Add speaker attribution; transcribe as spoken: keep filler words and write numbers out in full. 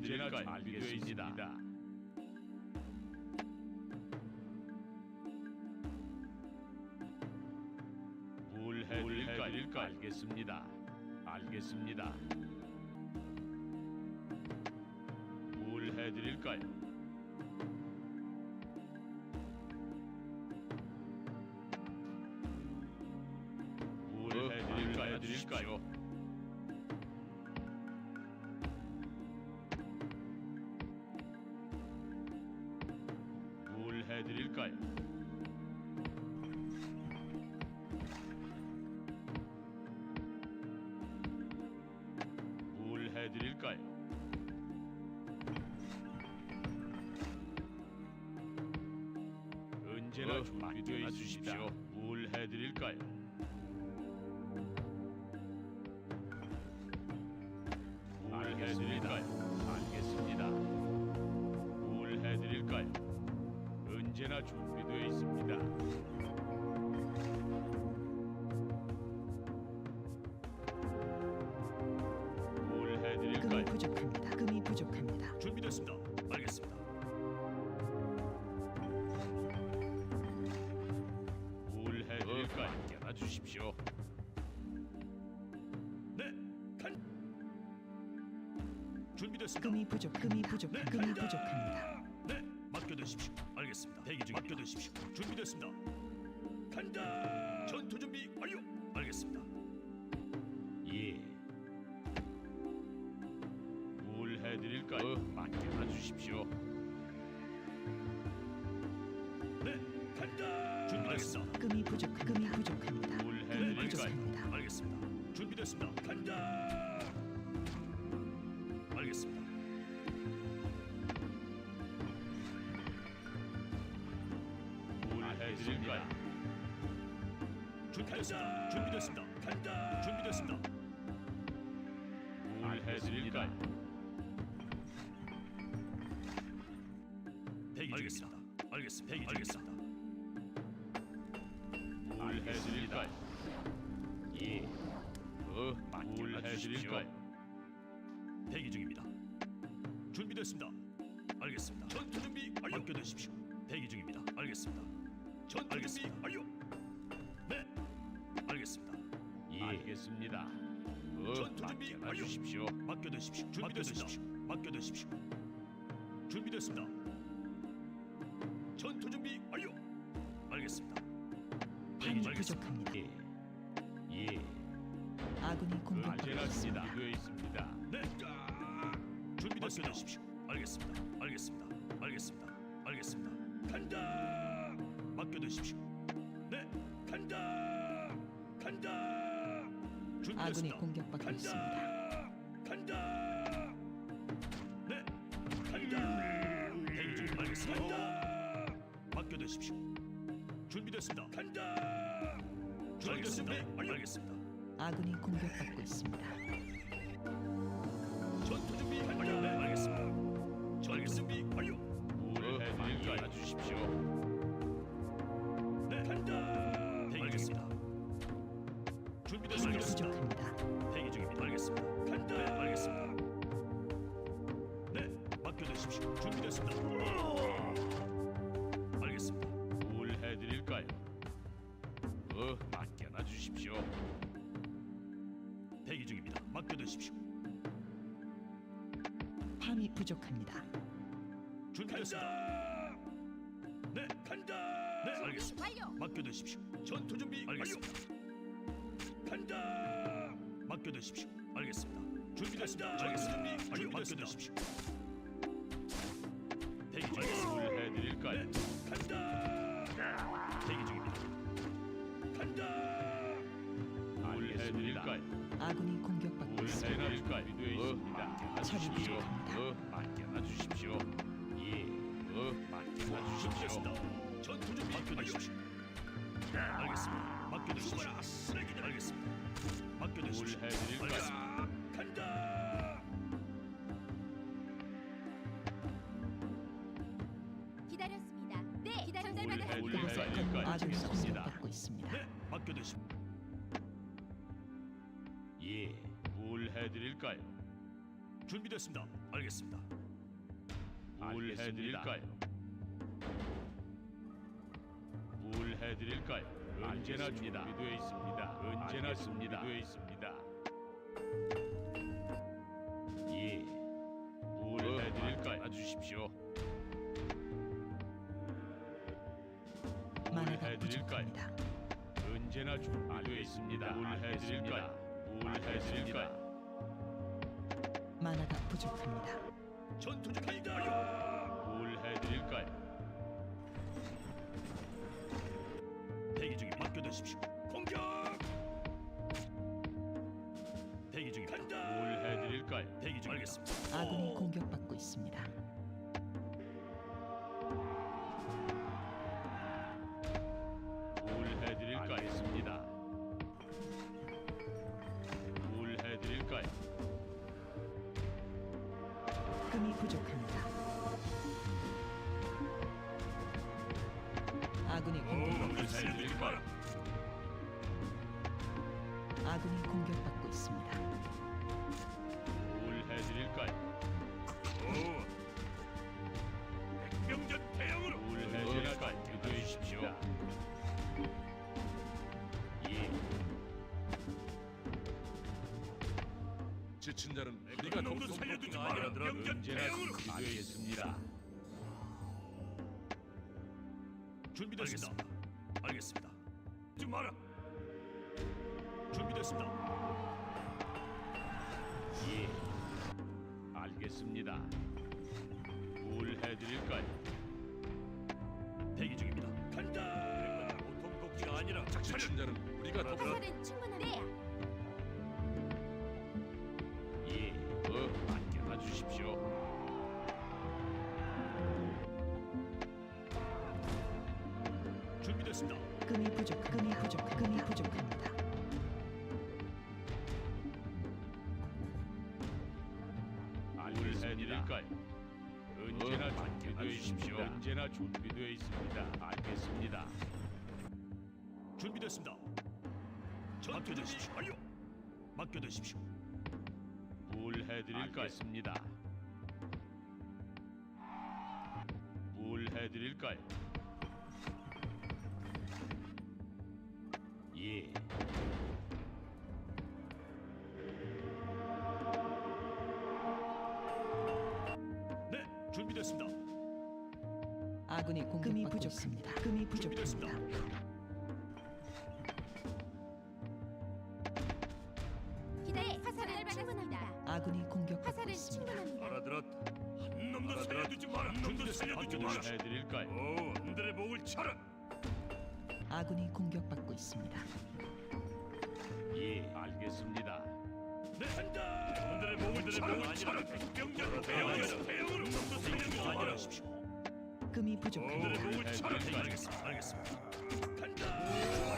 Speaker 1: 해드릴까요? 알겠습니다. 뭘 해드릴까요? 알겠습니다. 알겠습니다. 뭘 해드릴까요? 뭘 해드릴까요? 해드릴까요? 뭘 해드릴까요? 뭘 해드릴까요? 언제나 준비되어 있으십시오. 뭘 해드릴까요? 뭘 해드릴까요? 알겠습니다. 뭘 해드릴까요? 언제나 준비되어 있습니다. 뭘
Speaker 2: 금이
Speaker 1: 해드릴까요?
Speaker 2: 부족합니다. 금이 부족합니다.
Speaker 3: 준비됐습니다. 알겠습니다.
Speaker 1: 뭘 해드릴까요? 맡겨놔 주십시오.
Speaker 3: 네, 간. 준비됐습니다.
Speaker 2: 금이 부족. 금이 부족.
Speaker 3: 네,
Speaker 2: 금이
Speaker 3: 간다!
Speaker 2: 부족합니다.
Speaker 3: 네, 맡겨두십시오. 알겠습니다. 대기 중 맡겨두십시오. 준비됐습니다. 간다. 전투 준비 완료. 알겠습니다.
Speaker 1: 예. 뭘 해드릴까요? 어, 맡겨놔 주십시오.
Speaker 3: 네, 간다. 준비됐습니다.
Speaker 2: 금이 부족. 금이 부족합니다.
Speaker 1: 뭘
Speaker 2: 금이
Speaker 1: 해드릴까요?
Speaker 2: 부족합니다.
Speaker 3: 알겠습니다. 준비됐습니다. 간다. 알겠습니다.
Speaker 1: 뭘 해드릴까요?
Speaker 3: 준비됐습니다. 준비됐습니다. 간다. 준비됐습니다.
Speaker 1: 뭘 해드릴까요?
Speaker 3: 대기 중입니다. 알겠습니다. 대기 알겠습니다.
Speaker 1: 뭘 해드릴까요? 예. 어, 뭘 해드릴까요?
Speaker 3: 대기 중입니다. 준비됐습니다. 알겠습니다. 전투 준비 완료. 맡겨두십시오. 대기 중입니다. 알겠습니다. 전투 알겠습니다. 준비 완료. 네, 알겠습니다.
Speaker 1: 예. 알겠습니다. 어,
Speaker 3: 전투 준비
Speaker 1: 맡겨놔
Speaker 3: 완료.
Speaker 1: 주십시오.
Speaker 3: 맡겨두십시오. 준비됐습니다. 맡겨두십시오. 준비됐습니다. 전투 준비 완료. 알겠습니다. 대기
Speaker 2: 밤이
Speaker 3: 중 알겠습니다.
Speaker 2: 부족합니다.
Speaker 1: 예. 예.
Speaker 2: 아군이 공격받고
Speaker 1: 언제나
Speaker 2: 있습니다.
Speaker 1: 준비되어 있습니다.
Speaker 3: 네. 준비됐습니다. 알겠습니다. 알겠습니다. 알겠습니다. 알겠습니다. 간다. 맡겨두십시오. 네. 간다. 간다.
Speaker 2: 아군이
Speaker 3: 준비됐습니다.
Speaker 2: 공격받고 있습니다.
Speaker 3: 간다. 네. 간다. 대기 중 알겠습니다. 간다. 맡겨두십시오. 준비됐습니다. 간다. 준비됐습니다. 알겠습니다.
Speaker 2: 아군이 공격받고 있습니다.
Speaker 3: 전투 준비 완료. 네, 알겠습니다. 전투 준비 완료.
Speaker 1: 뭘 해드릴까요? 주십시오.
Speaker 3: 네, 간다. 대기 알겠습니다. 준비됐습니다.
Speaker 2: 금이 부족합니다.
Speaker 3: 대기 중입니다. 알겠습니다. 간다. 네, 알겠습니다. 네, 맡겨두십시오. 준비됐습니다. 알겠습니다.
Speaker 1: 뭘 해드릴까요? 어, 맡겨놔 주십시오.
Speaker 3: 대기 중입니다. 맡겨두십시오.
Speaker 2: 밤이 부족합니다.
Speaker 3: 준비됐습니다. 네, 간다. 네, 알겠습니다.
Speaker 4: 완료.
Speaker 3: 맡겨두십시오. 전투 준비 알겠습니다. 간다. 맡겨두십시오. 알겠습니다. 준비됐습니다. 알겠습니다. 준비 완료. 맡겨두십시오. 대기 중 알겠습니다.
Speaker 1: 뭘 해드릴까요?
Speaker 3: 네, 간다. 대기 중입니다. 간다.
Speaker 1: 뭘 해드릴까요?
Speaker 2: 아군이 공격받고
Speaker 1: 뭘
Speaker 2: 있습니다.
Speaker 1: 해드릴까요? 되어 있습니다.
Speaker 2: 처리
Speaker 1: 주십시오.
Speaker 2: 부족합니다.
Speaker 1: 어, 맡겨놔 주십시오. 예. 어, 맡겨놔 주십시오.
Speaker 3: 준비됐습니다. 전투 준비 맡겨두십시오. 알겠습니다. 맡겨두십시오. 알겠습니다. 맡겨두십시오.
Speaker 1: 뭘 해드릴까요?
Speaker 3: 알겠습니다. 간다.
Speaker 4: 기다렸습니다. 네, 기다려
Speaker 1: 뭘
Speaker 4: 전달받았습니다.
Speaker 1: 해드릴까요?
Speaker 2: 아군이
Speaker 1: 주겠습니다.
Speaker 2: 공격받고 있습니다.
Speaker 3: 네, 맡겨두십시오.
Speaker 1: 예. 뭘 해드릴까요?
Speaker 3: 준비됐습니다. 알겠습니다.
Speaker 1: 뭘 해드릴까요? 뭘 해드릴까요? 언제나 준비되어 있습니다. 언제나 준비되어 있습니다. 예. 뭘 해드릴까요? 와주십시오. 뭘
Speaker 2: 만화가
Speaker 1: 해드릴까요?
Speaker 2: 부족합니다.
Speaker 1: 언제나 준비되어 있습니다. 뭘 해드릴까요? 뭘 해드릴까요?
Speaker 2: 만화가 부족합니다.
Speaker 3: 전투 준비 완료.
Speaker 1: 뭘 해드릴까요?
Speaker 3: 대기 중에 맡겨두십시오. 공격. 대기 중에 간다.
Speaker 1: 뭘 해드릴까요?
Speaker 3: 대기 중 알겠습니다.
Speaker 2: 아군이 공격받고 있습니다.
Speaker 1: 뭘 해드릴까요? 알겠습니다. 뭘 해드릴까요?
Speaker 2: 금이 부족합니다. 아군이 공격받고
Speaker 1: 뭘
Speaker 2: 있습니다.
Speaker 1: 해드릴까요?
Speaker 2: 아군이 공격받고 있습니다.
Speaker 1: 뭘 해드릴까요?
Speaker 3: 백병전 대형으로.
Speaker 1: 뭘 해드릴까요? 기도해 주십시오. 예.
Speaker 5: 지친 자는 우리가
Speaker 3: 놈도
Speaker 5: 돕고
Speaker 3: 살려두지
Speaker 5: 돕고
Speaker 3: 마라. 병전
Speaker 1: 언제나
Speaker 3: 대형으로.
Speaker 1: 기도하겠습니다.
Speaker 3: 준비됐습니다. 알겠습니다. 좀 마라. 준비됐습니다.
Speaker 1: 예. 알겠습니다. 뭘 해드릴까요?
Speaker 3: 대기 중입니다. 간다. 보통 복지가 아니라 작차려.
Speaker 5: 지친 자는 우리가 돕고
Speaker 4: 화살은 충분합니다.
Speaker 1: 예. 어, 맡겨놔 주십시오.
Speaker 3: 준비됐습니다.
Speaker 2: 금이 부족, 금이 부족, 금이 부족합니다.
Speaker 1: 뭘 해드릴까요? 언제나 준비되어 있십시오. 언제나 준비되어 있습니다. 알겠습니다.
Speaker 3: 준비됐습니다. 맡겨두십시오. 완료. 맡겨두십시오.
Speaker 1: 뭘 해드릴까요? 알겠습니다. 뭘 해드릴까요? 예.
Speaker 3: 네, 준비됐습니다.
Speaker 2: 아군이 공격받고 있습니다. 금이
Speaker 3: 준비됐습니다.
Speaker 2: 부족합니다.
Speaker 4: 기다려. 화살은 충분합니다.
Speaker 2: 아군이 공격받고
Speaker 4: 화살은
Speaker 2: 있습니다.
Speaker 4: 충분합니다.
Speaker 3: 알아들었다. 한 놈도 살려두지 마라. 한 놈도 살려두지
Speaker 1: 뭘
Speaker 3: 마라.
Speaker 1: 해드릴까요?
Speaker 3: 오, 놈들의 목을 쳐라.
Speaker 2: 아군이 공격받고 있습니다.
Speaker 1: 예, 알겠습니다.
Speaker 3: 네, 간다. 놈들의 목을 목을 쳐라. 백병전 대형으로. 대형으로. 놈도 살려두지 마라.
Speaker 2: 금이
Speaker 3: 놈들의
Speaker 2: 부족합니다.
Speaker 3: 목을 쳐라.
Speaker 1: 해드릴까요?
Speaker 3: 알겠습니다. 알겠습니다. 간다.